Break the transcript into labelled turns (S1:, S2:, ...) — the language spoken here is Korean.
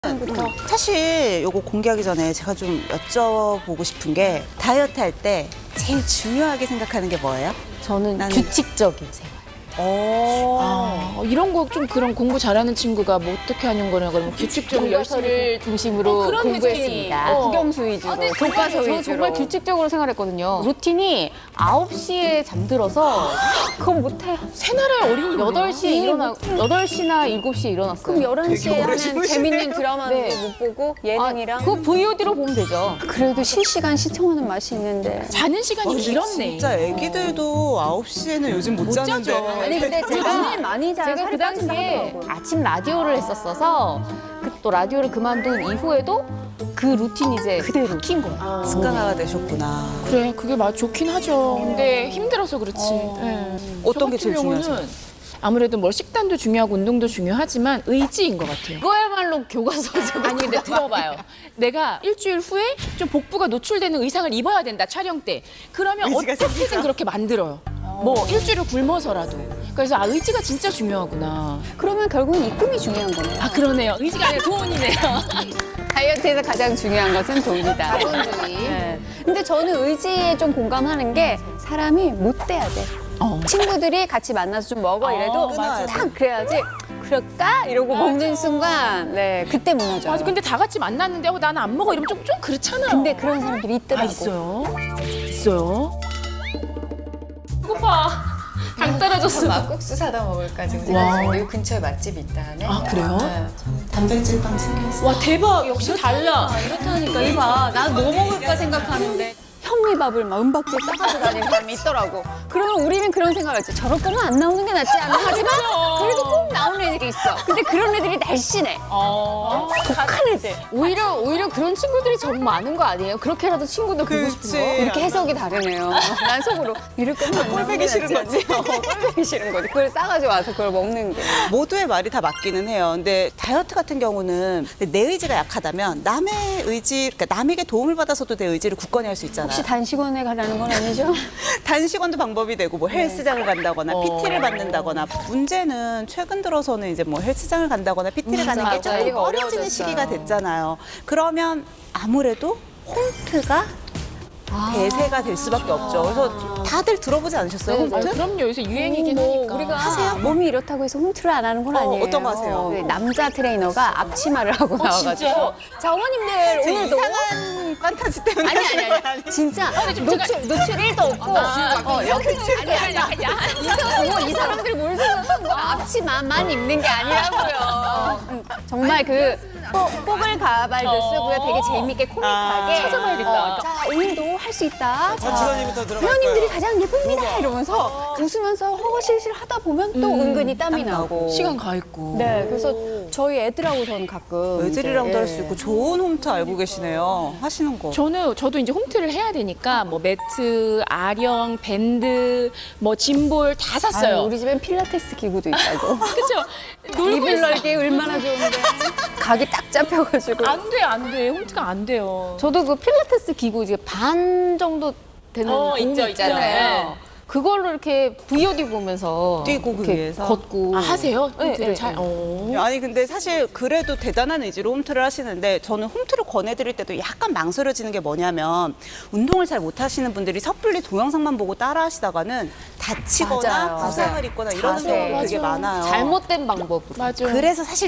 S1: 사실 요거 공개하기 전에 제가 좀 여쭤보고 싶은 게 다이어트 할 때 제일 중요하게 생각하는 게 뭐예요?
S2: 저는
S1: 나는-
S2: 규칙적인 생활.
S3: 이런 거 좀 그런 공부 잘하는 친구가 뭐 어떻게 하는 거냐 그러면 규칙적으로 열심히
S2: 교과서를 중심으로
S3: 그런
S2: 공부했습니다.
S4: 국영수 위주로, 교과서
S2: 저는
S4: 위주로.
S2: 정말 규칙적으로 생활했거든요. 루틴이 9시에 잠들어서
S4: 그건 못해.
S3: 새나라의 어린이
S2: 8시에 일어나 8시나 7시에 일어났어요.
S4: 그럼 11시에 하는
S1: 주무시네요.
S4: 재밌는 드라마도
S2: 네.
S4: 못 보고 예능이랑.
S2: 그거 VOD로 보면 되죠.
S4: 그래도 실시간 시청하는 맛이 있는데.
S3: 자는 시간이 길었네.
S1: 진짜 애기들도 9시에는 요즘 못 자는데.
S3: 자죠.
S4: 아니 근데 제가 많이 자요.
S2: 제가
S4: 살이
S2: 그 당시에
S4: 빠진다 하더라고요.
S2: 아침 라디오를 했었어서 또 라디오를 그만둔 이후에도 그 루틴이 이제 그대로 박힌 거예요.
S1: 습관화가 되셨구나.
S3: 그래 그게 맞 좋긴 하죠. 근데 힘들어서 그렇지. 예.
S1: 어떤 게
S3: 저
S1: 제일
S3: 같은 경우는
S1: 중요하세요?
S3: 아무래도 뭐 식단도 중요하고 운동도 중요하지만 의지인 것 같아요.
S2: 그거야말로 교과서죠.
S3: 아니 근데 들어봐요. 내가 일주일 후에 좀 복부가 노출되는 의상을 입어야 된다 촬영 때. 그러면
S1: 의지가
S3: 어떻게든
S1: 생기죠.
S3: 그렇게 만들어요. 뭐 일주일을 굶어서라도. 그래서 의지가 진짜 중요하구나.
S4: 그러면 결국은 입금이 중요한 거네요.
S3: 그러네요. 의지가 아니라 돈이네요.
S4: 다이어트에서 가장 중요한 것은 돈이다.
S2: 자본주의.
S4: 네. 근데 저는 의지에 좀 공감하는 게 사람이 못 돼야 돼. 친구들이 같이 만나서 좀 먹어 이래도
S1: 맞아.
S4: 딱 그래야지 그럴까? 이러고 먹는 순간 네 그때 무너져요.
S3: 맞아. 근데 다 같이 만났는데 나는 안 먹어 이러면 좀 그렇잖아요.
S4: 근데 그런 사람들이 있더라고.
S3: 있어요. 있어요. 배고파. 당 떨어졌어.
S5: 막국수 사다 먹을까 지금 생각 중인데 여기 근처에 맛집이 있다 하네.
S3: 그래요?
S5: 네.
S1: 단백질빵 챙겼어요.
S3: 와 대박. 역시 달라.
S4: 이렇다니까 이봐. 난 뭐 먹을까 생각하는데 현미밥을 막 은박지에 싸가지고 다니는 사람이 있더라고. 그러면 우리는 그런 생각을 했지. 저럴 거면 안 나오는 게 낫지 않나 하지만 그래도 꼭 나오는 애들이 있어. 근데 그런 애들이 날씬해. 독한 애들.
S2: 오히려 그런 친구들이 좀 많은 거 아니에요? 그렇게라도 친구들 보고 싶은 거?
S4: 이렇게 해석이 다르네요. 난 속으로 이럴 거면 안 나오는 게
S1: 꼴보기 싫은
S4: 낫지 않나. 꼴보기 싫은 거지. 그걸 싸가지고 와서 그걸 먹는 게.
S1: 모두의 말이 다 맞기는 해요. 근데 다이어트 같은 경우는 내 의지가 약하다면 남의 의지, 그러니까 남에게 도움을 받아서도 내 의지를 굳건히 할 수 있잖아요.
S4: 혹시 단식원에 가라는 건 아니죠?
S1: 단식원도 방법이 되고 뭐 헬스장을 간다거나 PT를 받는다거나 문제는 최근 들어서는 이제 뭐 헬스장을 간다거나 PT를 가는 게
S2: 맞아요.
S1: 조금
S4: 이거
S1: 꺼려지는
S4: 어려워졌어요.
S1: 시기가 됐잖아요. 그러면 아무래도 홈트가 대세가 될 수밖에 없죠. 그래서 다들 들어보지 않으셨어요? 홈트?
S3: 그럼요. 요새 유행이긴
S4: 뭐
S3: 하니까.
S4: 우리가 몸이 이렇다고 해서 홈트를 안 하는 건 아니에요.
S1: 어떤 거 하세요?
S4: 네, 남자 트레이너가 앞치마를 하고 나와가지고
S3: 진짜요?
S4: 자 어머님들
S1: 제
S4: 오늘도
S1: 이상한 판타지 때문에
S4: 아니
S1: 하시는 거 아니에요?
S4: 진짜 노출 1도 없고 여기 이 사람들이 뭘 생각한 거야 앞치마만 입는 게 아니라고요. 정말 그 뽀글 가발도 쓰고요. 되게 재밌게 코믹하게
S3: 찾아봐야겠다.
S4: 자 오늘도 할 수 있다.
S6: 지선이부터 들어갈
S4: 회원님들이
S6: 거예요.
S4: 가장 예쁩니다 이러면서 웃으면서 허허실실 하다 보면 또 은근히 땀이 나고
S3: 시간 가 있고.
S4: 네 그래서 저희 애들하고 저는 가끔
S1: 애들이랑도
S4: 이제,
S1: 할 수 있고 좋은 홈트 알고 계시네요. 하시는 거.
S3: 저도 이제 홈트를 해야 되니까 뭐 매트, 아령, 밴드, 뭐 짐볼 다 샀어요.
S4: 아유, 우리 집엔 필라테스 기구도 있다고.
S3: 그죠? 놀고
S4: 이불
S3: 있어.
S4: 넓기 얼마나 좋은데. 각이 딱 잡혀가지고.
S3: 안 돼. 홈트가 안 돼요.
S2: 저도 그 필라테스 기구 이제 반 정도 되는 공이
S3: 있죠,
S2: 있잖아요. 그걸로 이렇게 VOD 보면서
S1: 뛰고 그
S2: 이렇게
S1: 위에서?
S2: 걷고.
S3: 하세요?
S2: 네,
S3: 홈트를
S2: 네,
S3: 잘.
S2: 네.
S1: 아니 근데 사실 그래도 대단한 의지로 홈트를 하시는데 저는 홈트를 권해드릴 때도 약간 망설여지는 게 뭐냐면 운동을 잘 못하시는 분들이 섣불리 동영상만 보고 따라하시다가는 다치거나
S4: 맞아요.
S1: 부상을 입거나 이런
S4: 자세.
S1: 경우가 되게 많아요.
S2: 잘못된 방법으로.
S3: 맞아.
S1: 그래서 사실